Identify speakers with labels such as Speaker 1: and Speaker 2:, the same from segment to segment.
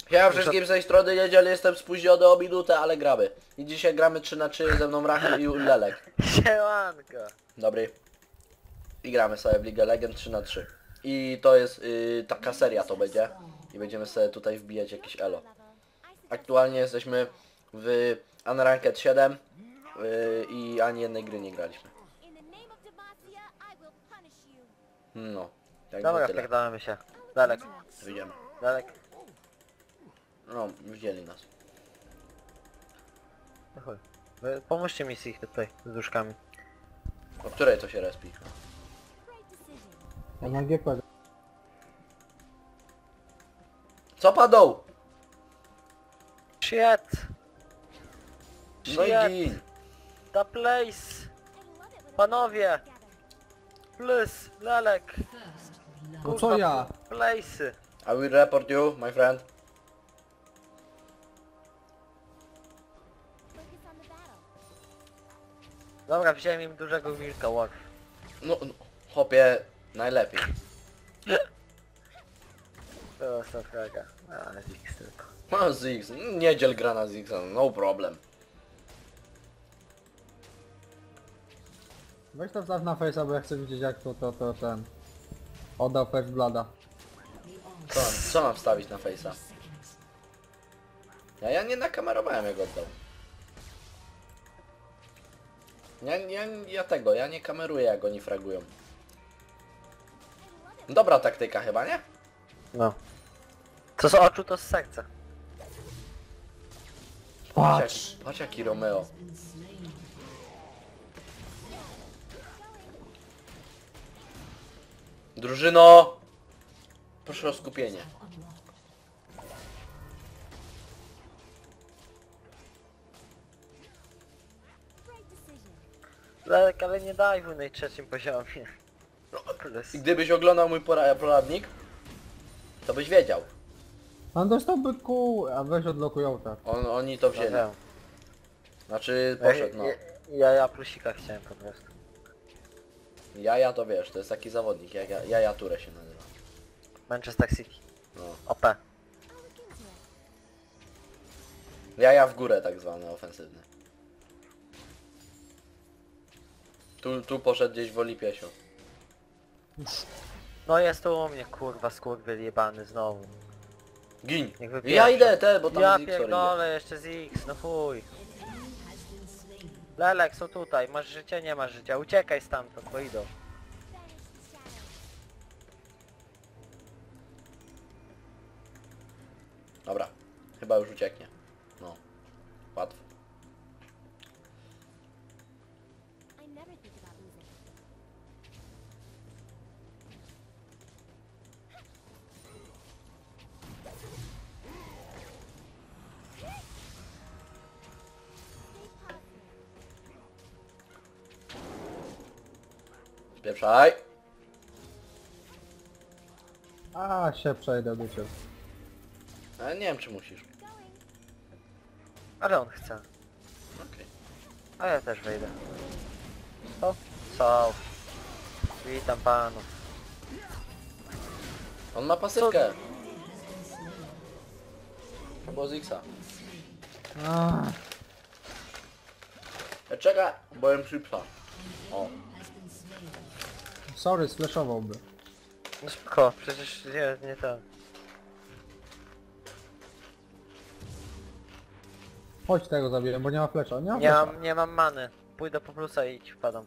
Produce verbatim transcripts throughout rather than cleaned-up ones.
Speaker 1: Ja wszystkim z tej strony niedzielę jestem spóźniony o minutę, ale gramy. I dzisiaj gramy trzy na trzy ze mną Rachel i Lelek.
Speaker 2: Siemanko.
Speaker 1: Dobry. I gramy sobie w League of Legends trzy na trzy. I to jest yy, taka seria to będzie. I będziemy sobie tutaj wbijać jakieś elo. Aktualnie jesteśmy w Unranked siedem yy, i ani jednej gry nie graliśmy. No. Jak
Speaker 2: Dobra,
Speaker 1: tyle.
Speaker 2: wpierdalamy się. Dalek,
Speaker 1: Wyjdziemy.
Speaker 2: dalek.
Speaker 1: No, widzieli nas.
Speaker 2: No chuj. Wy pomóżcie mi z ich tutaj, z duszkami.
Speaker 1: O której to się respi?
Speaker 3: Ja na G P.
Speaker 1: Co padł?
Speaker 2: Shit!
Speaker 1: No i
Speaker 2: Shit!
Speaker 1: gin.
Speaker 2: The place! Panowie! Plus, lalek!
Speaker 3: No co ja?
Speaker 2: Place!
Speaker 1: I will report you, my friend.
Speaker 2: Dobra, wziąłem im dużego wilka, Wolf.
Speaker 1: No, no chłopie, najlepiej.
Speaker 2: To jest fraga. A, Zix tylko.
Speaker 1: No Ziggs, niedziel gra na Ziggsa, no problem.
Speaker 3: Weź to wstaw na face'a, bo ja chcę widzieć jak to, to, to, ten... Oddał First Blooda.
Speaker 1: Co mam, co mam wstawić na face'a? Ja, ja nie nakamerowałem jak oddał. Ja, ja, ja tego, ja nie kameruję jak oni fragują. Dobra taktyka chyba, nie?
Speaker 2: No. Co z oczu, to z serca.
Speaker 1: Patrz, jak, patrz jaki Romeo. Drużyno! Proszę o skupienie.
Speaker 2: Lalek, ale nie daj w na trzecim poziomie.
Speaker 1: No,
Speaker 2: Plus.
Speaker 1: i gdybyś oglądał mój pora- poradnik, to byś wiedział.
Speaker 3: On dostałby kół, a weź odlokują tak.
Speaker 1: On, oni to
Speaker 2: No
Speaker 1: wzięli.
Speaker 2: wiem.
Speaker 1: Znaczy
Speaker 2: Ja,
Speaker 1: poszedł, no.
Speaker 2: ja, ja, ja plusika chciałem po prostu.
Speaker 1: Jaja to wiesz, to jest taki zawodnik, Jaja, Jaja Ture się nazywa.
Speaker 2: Manchester City.
Speaker 1: No.
Speaker 2: O P.
Speaker 1: Jaja w górę tak zwany, ofensywny. Tu, tu poszedł gdzieś w Olipiesio.
Speaker 2: No jest tu u mnie, kurwa, skurwyl jebany znowu.
Speaker 1: Gin!
Speaker 2: Niech wypieprza.
Speaker 1: Ja idę te, bo tam
Speaker 2: Ja
Speaker 1: Ziggs idzie.
Speaker 2: pierdolę, jeszcze z X, no chuj. Lelek, są tutaj, masz życie, nie masz życia, uciekaj stamtąd, bo idą.
Speaker 1: Dobra, chyba już ucieknie. No, łatwo. Spieprzaj!
Speaker 3: A się przejdę do ciebie.
Speaker 1: Ale nie wiem czy musisz.
Speaker 2: Ale on chce.
Speaker 1: Okej.
Speaker 2: A ja też wejdę. O, co? Witam panów.
Speaker 1: On ma pasywkę. To było Ziggsa.
Speaker 3: A,
Speaker 1: E, Czekaj, byłem szybsza. O.
Speaker 3: sorry, sflashowałby.
Speaker 2: No spoko, przecież nie, nie to.
Speaker 3: Chodź tego zabiję, bo nie ma flesza. Nie ma
Speaker 2: Nie
Speaker 3: flesza.
Speaker 2: mam, nie mam many. Pójdę po plusa i ci wpadam.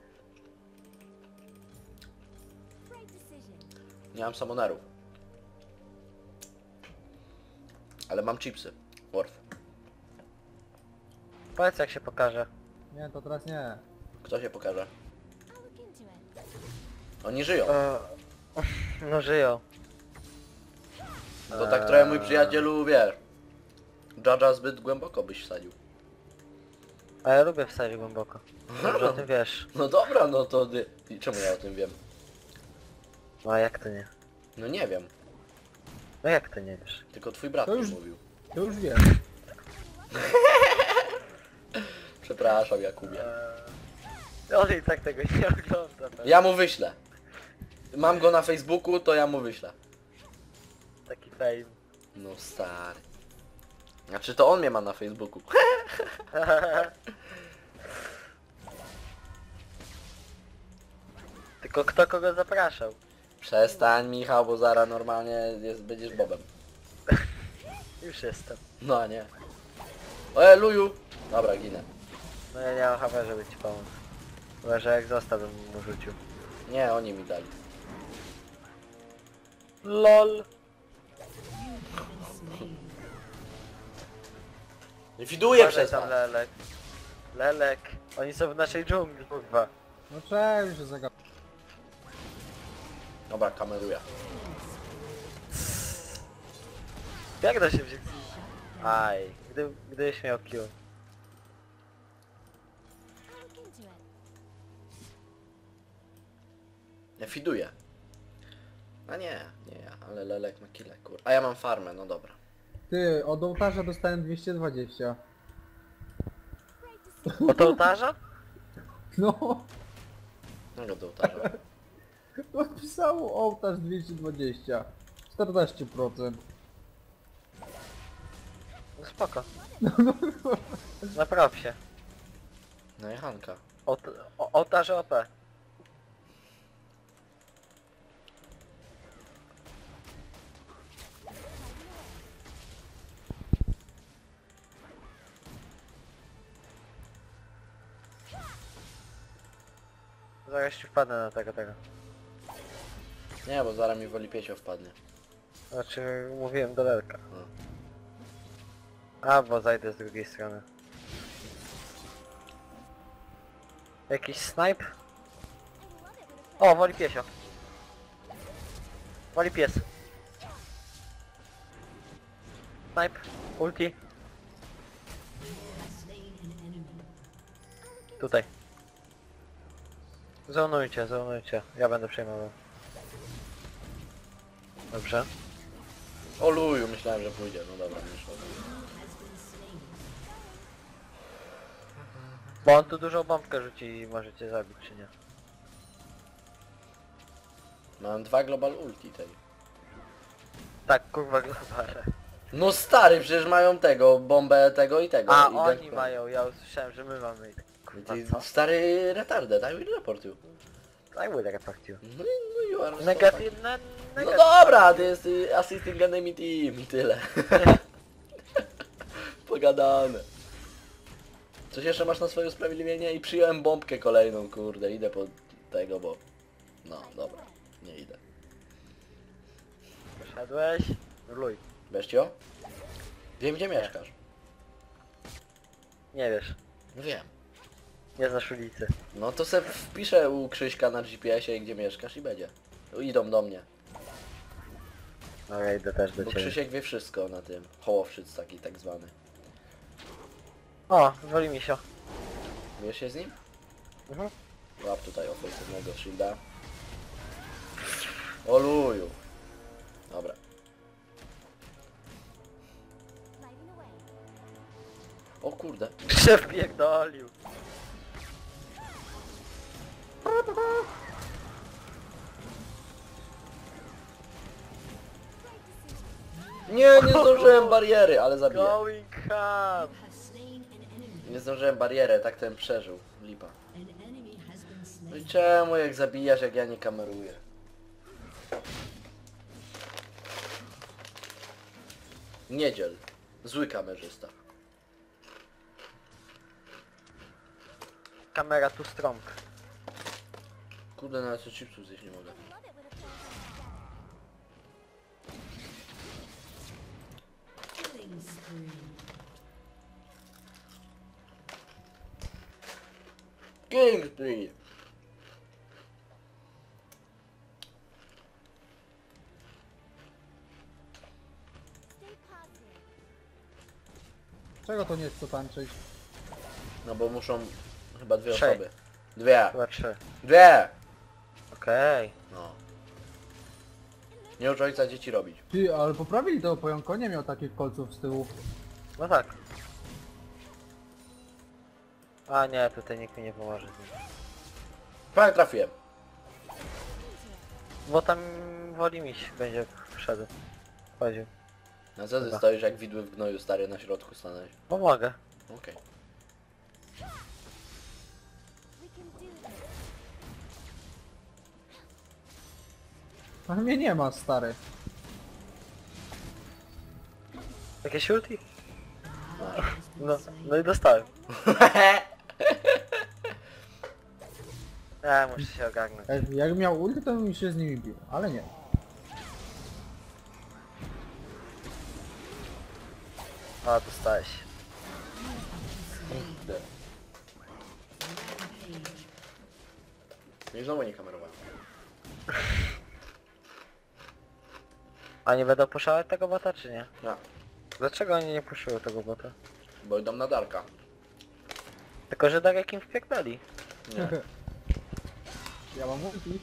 Speaker 1: Nie mam samonerów. Ale mam chipsy. Worf.
Speaker 2: Powiedz jak się pokaże.
Speaker 3: Nie, to teraz nie.
Speaker 1: Kto się pokaże? Oni żyją.
Speaker 2: E, no żyją.
Speaker 1: To tak trochę mój przyjacielu, wiesz. Dżadża zbyt głęboko byś wsadził.
Speaker 2: A ja lubię wsadzić głęboko. Dobrze o tym wiesz.
Speaker 1: No dobra, no to ty... I czemu ja o tym wiem?
Speaker 2: No a jak to nie?
Speaker 1: No nie wiem.
Speaker 2: No jak to nie wiesz?
Speaker 1: Tylko twój brat
Speaker 3: To
Speaker 1: mi
Speaker 3: już-
Speaker 1: mówił.
Speaker 3: To już wiem.
Speaker 1: Przepraszam, Jakubie.
Speaker 2: Eee, on i tak tego nie ogląda. pewnie.
Speaker 1: Ja mu wyślę. Mam go na Facebooku, to ja mu wyślę.
Speaker 2: Taki fame.
Speaker 1: No stary. Znaczy to on mnie ma na Facebooku.
Speaker 2: Tylko kto kogo zapraszał?
Speaker 1: Przestań Michał, bo zaraz normalnie jest, będziesz Bobem.
Speaker 2: Już jestem.
Speaker 1: No a nie. E, luju! Dobra, ginę.
Speaker 2: No ja nie mam H P, żeby ci pomóc. Chyba, że jak został, bym mu rzucił.
Speaker 1: Nie, oni mi dali.
Speaker 2: LOL!
Speaker 1: Widuję
Speaker 2: Uważaj
Speaker 1: przez
Speaker 2: tam
Speaker 1: was.
Speaker 2: Lelek. Lelek. Oni są w naszej dżungli, kurwa.
Speaker 3: No czemu się zaga...
Speaker 1: Dobra, kameruję.
Speaker 2: Jak to się wziąć? Aj, gdy, gdybyś miał Q.
Speaker 1: Ja fiduję. A nie, nie ja, ale Lelek ma kile, kur. A ja mam farmę, no dobra.
Speaker 3: Ty, od ołtarza dostałem dwieście dwadzieścia.
Speaker 2: Od ołtarza?
Speaker 3: No,
Speaker 1: No do ołtarza.
Speaker 3: napisało ołtarz dwieście dwadzieścia. czternaście procent.
Speaker 2: No spoko. Napraw się.
Speaker 1: No i Hanka.
Speaker 2: Od, o, ołtarze O P. Zaraz ci wpadnę na tego, tego.
Speaker 1: Nie, bo zaraz mi woli piesio wpadnie.
Speaker 2: Znaczy, mówiłem do Lelka.
Speaker 1: No.
Speaker 2: A, bo zajdę z drugiej strony. Jakiś snipe? O, woli piesio. Woli pies. Snipe, ulti. Tutaj. Zonujcie, zonujcie. Ja będę przejmował. Dobrze.
Speaker 1: O luju, myślałem, że pójdzie. No dobra, nie szło.
Speaker 2: Bo on tu dużą bombkę rzuci i możecie zabić, czy nie?
Speaker 1: Mam dwa global ulti tej.
Speaker 2: Tak, kurwa globale.
Speaker 1: No stary, przecież mają tego, bombę tego i tego.
Speaker 2: A,
Speaker 1: i
Speaker 2: oni
Speaker 1: Deathclaw.
Speaker 2: mają, ja usłyszałem, że my mamy.
Speaker 1: I
Speaker 2: Kurwa,
Speaker 1: ty,
Speaker 2: co?
Speaker 1: stary retardę, daj mi report you.
Speaker 2: I will report you.
Speaker 1: No i no you are so
Speaker 2: Negatywne,
Speaker 1: No
Speaker 2: negatywne.
Speaker 1: dobra, to jest y, assisting enemy team i tyle. Pogadane. Coś jeszcze masz na swoje usprawiedliwienie? I przyjąłem bombkę kolejną, kurde, idę po tego, bo... No, dobra, nie idę.
Speaker 2: Poszedłeś? Luj.
Speaker 1: Beszcio? Wiem, gdzie mieszkasz.
Speaker 2: Nie wiesz.
Speaker 1: Wiem.
Speaker 2: Nie znasz ulicy.
Speaker 1: No to se wpiszę u Krzyśka na G P S ie, gdzie mieszkasz i będzie. Idą do mnie.
Speaker 2: No ja idę też do
Speaker 1: Bo
Speaker 2: ciebie.
Speaker 1: Krzysiek wie wszystko na tym. Hołowszyc taki tak zwany.
Speaker 2: O, woli mi się.
Speaker 1: Wiesz się z nim?
Speaker 2: Mhm.
Speaker 1: Łap tutaj ofensywnego shielda. Oluju. Dobra. O kurde.
Speaker 2: Szef pierdolił.
Speaker 1: Nie, nie zdążyłem bariery, ale zabiję.
Speaker 2: Going ham.
Speaker 1: Nie zdążyłem barierę, tak ten przeżył. Lipa. No i czemu jak zabijasz, jak ja nie kameruję? Niedziel. Zły kamerzysta.
Speaker 2: Kamera tu strong.
Speaker 1: Kurde, nawet co chipsów zjeść nie mogę. Kingsley!
Speaker 3: Czego to nie chce tańczyć?
Speaker 1: No bo muszą chyba dwie
Speaker 2: Trzej.
Speaker 1: osoby. Dwie!
Speaker 2: Chyba trzy.
Speaker 1: Dwie!
Speaker 2: Okej.
Speaker 1: No. Nie ucz ojca dzieci robić.
Speaker 3: Ty, ale poprawili to pojątko, nie miał takich kolców z tyłu.
Speaker 2: No tak. A nie, tutaj nikt mi nie pomoże. z nim.
Speaker 1: Prawie trafiłem.
Speaker 2: Bo tam woli miś będzie wszedł. Chodził.
Speaker 1: A co ty
Speaker 2: Dobra.
Speaker 1: stoisz jak widły w gnoju, stary, na środku stanąłeś?
Speaker 2: Pomogę.
Speaker 1: Okej.
Speaker 3: A mnie nie ma, stary.
Speaker 2: Jakieś ulti? No, no i dostałem. Ja muszę się ogarnąć.
Speaker 3: Jak, jak miał ulti, to bym się z nimi bił, ale nie.
Speaker 2: A, dostałeś.
Speaker 1: I znowu nie kamerowałem.
Speaker 2: A nie będą puszować tego bota, czy nie?
Speaker 1: No,
Speaker 2: Dlaczego oni nie puszują tego bota?
Speaker 1: bo idą na Darka.
Speaker 2: Tylko, że tak jak im wpieknęli.
Speaker 1: Nie.
Speaker 3: Ja mam ulti.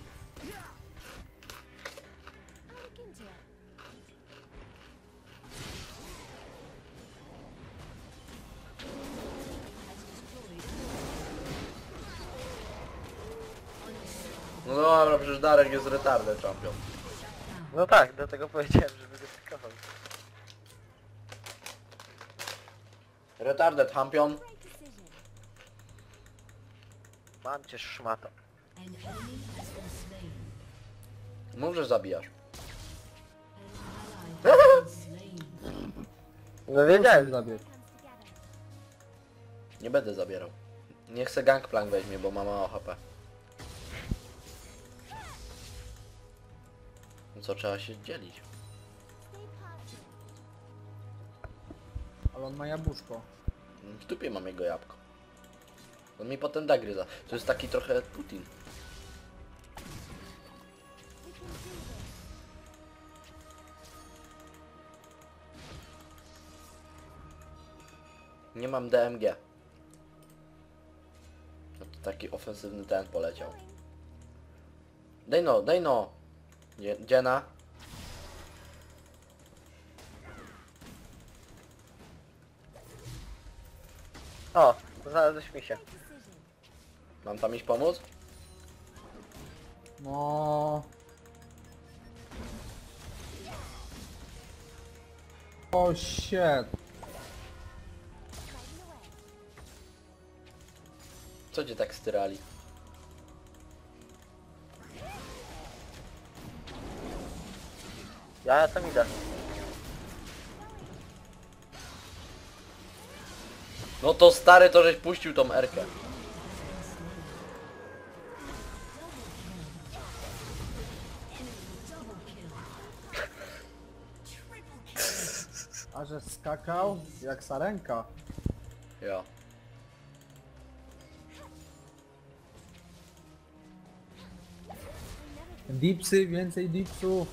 Speaker 1: No dobra, przecież Darek jest retarded champion.
Speaker 2: No tak, dlatego powiedziałem, żeby go pikował.
Speaker 1: Retarded champion.
Speaker 2: Mam cię szmato.
Speaker 1: Możesz zabijasz.
Speaker 2: No wiedziałem.
Speaker 3: Zabieg.
Speaker 1: Nie będę zabierał. Nie chcę gangplank weźmie, bo ma mało H P. No co, trzeba się dzielić.
Speaker 3: Ale on ma jabłuszko.
Speaker 1: W dupie mam jego jabłko. On mi potem da gryza. To jest taki trochę Putin. Nie mam D M G. No to taki ofensywny ten poleciał. Daj no, daj no! Dzie- Dziena.
Speaker 2: O, znalazłeś mi się.
Speaker 1: Mam tam iść pomóc?
Speaker 3: No. O shit.
Speaker 1: Co cię tak styrali?
Speaker 2: Ja, ja tam idę.
Speaker 1: No to stary, to żeś puścił tą erkę.
Speaker 3: A że skakał jak sarenka.
Speaker 1: Jo.
Speaker 3: Dipsy, więcej dipsów.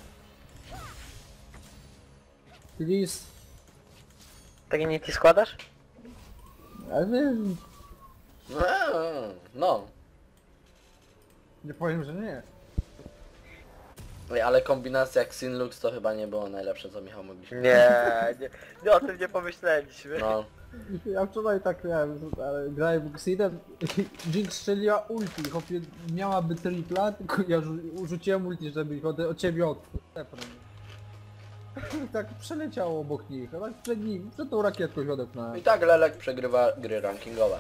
Speaker 3: Please.
Speaker 2: Takie niti składasz?
Speaker 3: Ale wiesz,
Speaker 1: Eee, No.
Speaker 3: nie powiem, że nie.
Speaker 1: Ej, ale kombinacja Xinlux to chyba nie było najlepsze, co Michał mogliśmy.
Speaker 2: Nie, nie, nie o tym nie pomyśleliśmy.
Speaker 1: No.
Speaker 3: Ja wczoraj tak miałem, ale grałem Xidem i Jinx strzeliła ulti, chłopie miałaby tripla, tylko ja rzu- rzuciłem ulti, żeby ich od, od ciebie odepnąć. Tak przeleciało obok nich, a tak przed nim, przed tą rakietką się odepnąłem.
Speaker 1: I tak Lelek przegrywa gry rankingowe.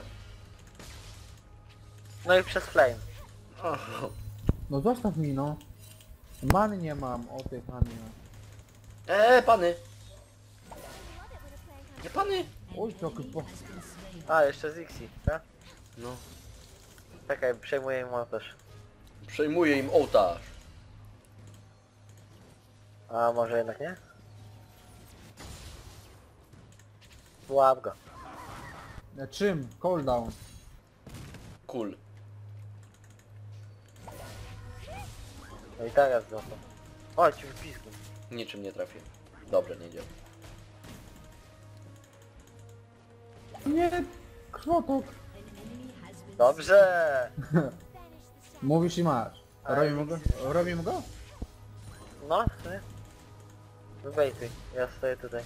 Speaker 2: No i przez flame.
Speaker 1: O,
Speaker 3: No zostaw mi no. Many nie mam, o tej panie.
Speaker 1: Eee, pany! Nie pany!
Speaker 3: Oj, trochę po...
Speaker 2: A, jeszcze z Ixi, tak?
Speaker 1: No.
Speaker 2: Czekaj, przejmuję im montaż.
Speaker 1: Przejmuje im ołtarz.
Speaker 2: A może jednak nie? Łap go.
Speaker 3: E, Czym? Cooldown.
Speaker 1: Cool.
Speaker 2: No i teraz złapał. O, ci wypisku.
Speaker 1: Niczym nie trafię. Dobrze, nie działa.
Speaker 3: Nie, krwotok.
Speaker 2: Dobrze!
Speaker 3: Mówisz i masz. Robimy go? Robimy go?
Speaker 2: No, ty. Wybejtuj, ja stoję tutaj.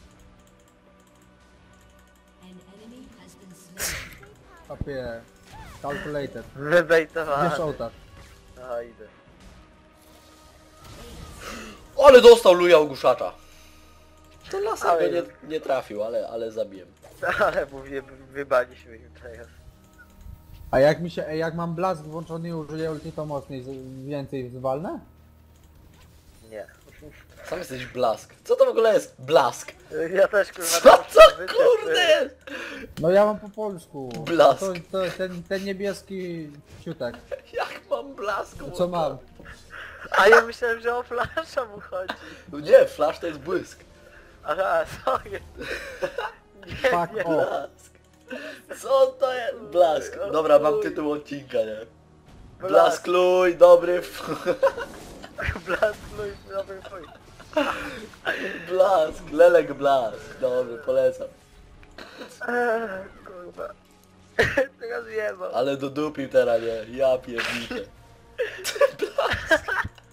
Speaker 3: Papie. Calculated.
Speaker 2: Wybejtowany.
Speaker 3: Wiesz ołtarz.
Speaker 2: No idę.
Speaker 1: Ale dostał luja ogłuszacza. To laser
Speaker 2: Ale
Speaker 1: go nie,
Speaker 2: jest.
Speaker 1: nie trafił, ale, ale zabiłem.
Speaker 2: Ale mówię, wybaliśmy im teraz.
Speaker 3: A jak mi się, ej, jak mam blask włączony i użyję ulti, to mocniej, z- więcej zwalnę?
Speaker 2: Nie.
Speaker 1: Sam jesteś blask. Co to w ogóle jest blask?
Speaker 2: Ja też kurwa...
Speaker 1: Co
Speaker 2: nie
Speaker 1: to
Speaker 2: muszę
Speaker 1: kurde jest?
Speaker 3: No ja mam po polsku.
Speaker 1: Blask.
Speaker 3: To, to ten, ten niebieski ciutek.
Speaker 1: Jak mam blask?
Speaker 3: Co mam?
Speaker 2: A ja myślałem, że o flasza mu chodzi.
Speaker 1: Nie, flash to jest błysk.
Speaker 2: Aha, sorry. Nie,
Speaker 3: Fuck
Speaker 2: nie.
Speaker 3: off.
Speaker 1: Blask. Co to jest? Blask. Dobra, mam tytuł odcinka, nie? Blask luj, dobry f...
Speaker 2: Blask, no i dobry twój.
Speaker 1: Blask, lelek blask. Dobry, polecam.
Speaker 2: Eee, kurwa. Teraz wiem.
Speaker 1: Ale dodupił teraz, nie? Ja pierniczę. Blask.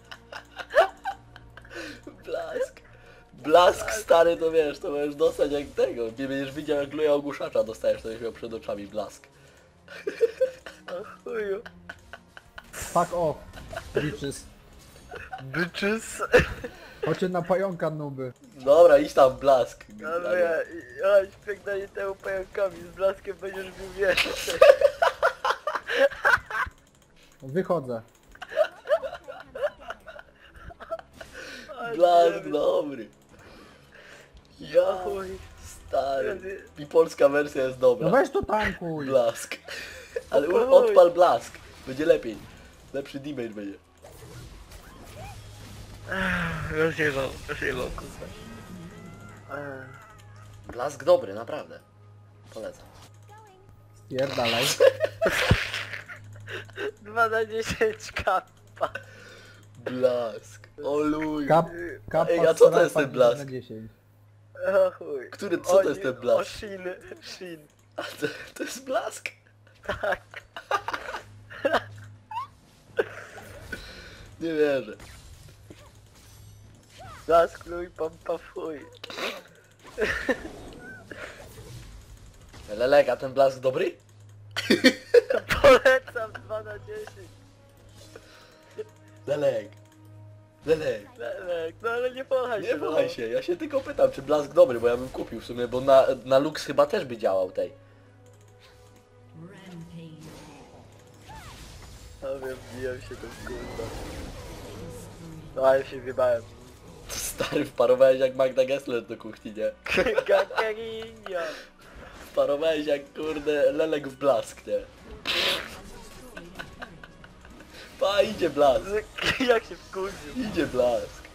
Speaker 1: Blask. Blask stary to wiesz, to możesz dostać jak tego. Nie będziesz widział jak luja ogłuszacza dostajesz, to już miał przed oczami blask.
Speaker 2: O chuju.
Speaker 3: Fuck off. Bitches.
Speaker 2: Bitches.
Speaker 3: Chodźcie na pająka nuby.
Speaker 1: Dobra, idź tam blask.
Speaker 2: Ale ja, ja śpiegnie temu pająkami, z blaskiem będziesz bił wieżę.
Speaker 3: Wychodzę.
Speaker 1: Blask dobry. Ja
Speaker 2: Chuj.
Speaker 1: stary. I polska wersja jest
Speaker 3: No
Speaker 1: dobra.
Speaker 3: weź to tankuj.
Speaker 1: Blask. Ale u-
Speaker 2: Oj.
Speaker 1: odpal blask. Będzie lepiej. Lepszy damage będzie.
Speaker 2: Rozjebał, rozjebał, kurwa. Eee.
Speaker 1: Blask dobry, naprawdę. Polecam.
Speaker 3: Pierdalaj.
Speaker 2: dwa na dziesięć kappa.
Speaker 1: Blask. O luj.
Speaker 3: Kap, kap
Speaker 1: Ej, a co to jest ten blask?
Speaker 3: Na dziesięć.
Speaker 2: O chuj.
Speaker 1: Który- co to jest ten blask?
Speaker 2: O shin, shin.
Speaker 1: A to, to jest blask?
Speaker 2: Tak.
Speaker 1: Nie wierzę.
Speaker 2: Blask, luj, pompa, fuj.
Speaker 1: Lelek, a ten blask dobry?
Speaker 2: Polecam dwa na dziesięć.
Speaker 1: Lelek. Lelek.
Speaker 2: Lelek, no ale nie pochaj się.
Speaker 1: Nie wahaj się, ja się tylko pytam, czy blask dobry, bo ja bym kupił w sumie, bo na, na Lux chyba też by działał tej.
Speaker 2: No wiem, bijam się tym kurwa. No ale się wybałem.
Speaker 1: Stary, wparowałeś jak Magda Gessler do kuchni, nie?
Speaker 2: Gagarinio.
Speaker 1: Wparowałeś jak kurde lelek w blask, nie? Pa, idzie blask.
Speaker 2: Jak się wkurzył.
Speaker 1: Idzie blask.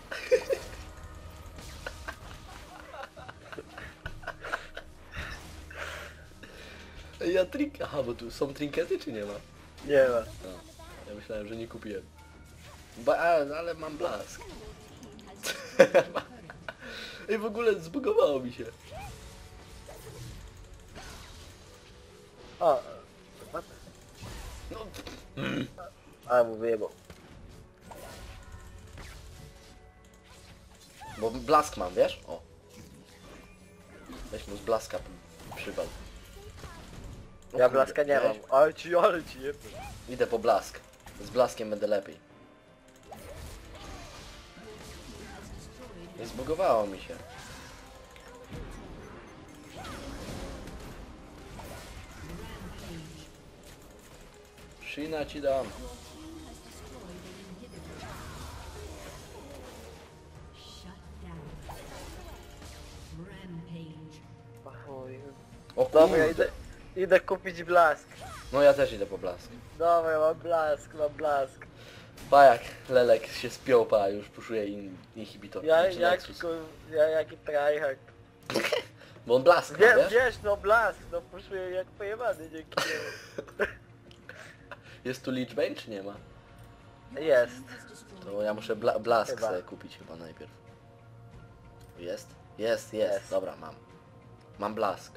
Speaker 1: Ej, ja trink... Aha, bo tu są trinkety czy nie ma?
Speaker 2: Nie ma.
Speaker 1: No, ja myślałem, że nie kupiłem. Ba, a, ale mam blask. Ej, w ogóle zbugowało mi się.
Speaker 2: O.
Speaker 1: No,
Speaker 2: A mu wyjebał.
Speaker 1: bo blask mam, wiesz? O. Weź mu z blaska przywal. O
Speaker 2: Ja
Speaker 1: kurde,
Speaker 2: blaska nie mam.
Speaker 1: widziałeś?
Speaker 2: Ale ci, ale ci jebę.
Speaker 1: Idę po blask. Z blaskiem będę lepiej. Nie zbugowało mi się. Shina ci dam.
Speaker 2: O chuj.
Speaker 1: O
Speaker 2: Dobra, ja
Speaker 1: kurde.
Speaker 2: idę, idę kupić blask.
Speaker 1: No ja też idę po blask.
Speaker 2: Dobra, mam blask, mam blask.
Speaker 1: Pa jak Lelek się spiął, pa już puszuje in, inhibitor.
Speaker 2: Ja
Speaker 1: znaczy
Speaker 2: jak,
Speaker 1: Nexus.
Speaker 2: kur, ja jaki tryhard.
Speaker 1: Bo on blask ma,
Speaker 2: Wie,
Speaker 1: wiesz?
Speaker 2: wiesz, no blask, no puszuję jak pojebany dzięki niemu.
Speaker 1: Jest tu Lichbane czy nie ma?
Speaker 2: Jest.
Speaker 1: To ja muszę bla blask
Speaker 2: Chyba.
Speaker 1: sobie kupić chyba najpierw. Jest? Jest, jest.
Speaker 2: Jest.
Speaker 1: Dobra, mam. Mam blask.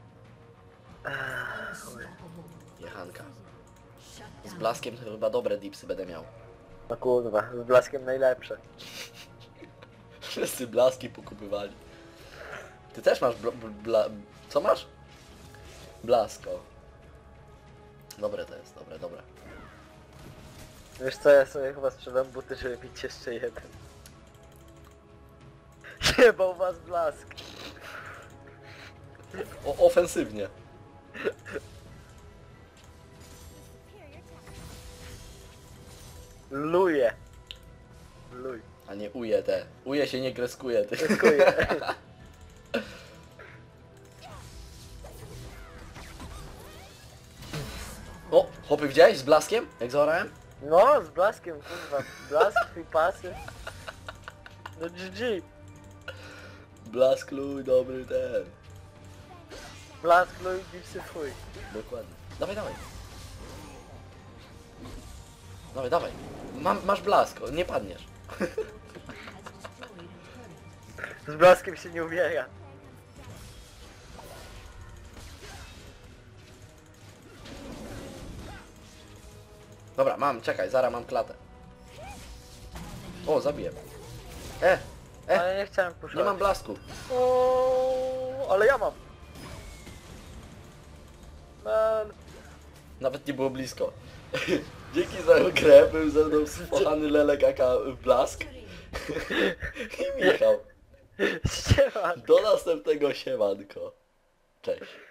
Speaker 1: Jechanka. Z blaskiem to chyba dobre dipsy będę miał.
Speaker 2: No kurwa, z blaskiem najlepsze.
Speaker 1: Wszyscy blaski pokupywali. Ty też masz bla, bla... Co masz? Blasko. Dobre to jest, dobre, dobre.
Speaker 2: Wiesz co, ja sobie chyba sprzedam buty, żeby mieć jeszcze jeden. Zjebał was blask.
Speaker 1: O, ofensywnie.
Speaker 2: Luje. Luj.
Speaker 1: A nie uje te. Uje się nie kreskuje, ty.
Speaker 2: Dziękuję.
Speaker 1: O, chłopy widziałeś z blaskiem? Jak zaorałem?
Speaker 2: No, z blaskiem, kurwa. Blask, twój pasy. No G G.
Speaker 1: Blask luj, dobry ten.
Speaker 2: Blask, luj, gipsy, fuj.
Speaker 1: Dokładnie. Dawaj, dawaj. Dawaj, dawaj. Mam, masz blask, o, nie padniesz.
Speaker 2: Z blaskiem się nie umiera.
Speaker 1: Dobra, mam, czekaj, zaraz mam klatę. O, zabiję. E, e,
Speaker 2: Ale nie chciałem puszować.
Speaker 1: nie mam blasku.
Speaker 2: O, ale ja mam. Man.
Speaker 1: Nawet nie było blisko. Dzięki za grę, był ze mną spochany Lelek aka Blask. I Michał.
Speaker 2: Ściema.
Speaker 1: Do następnego siemanko. Cześć.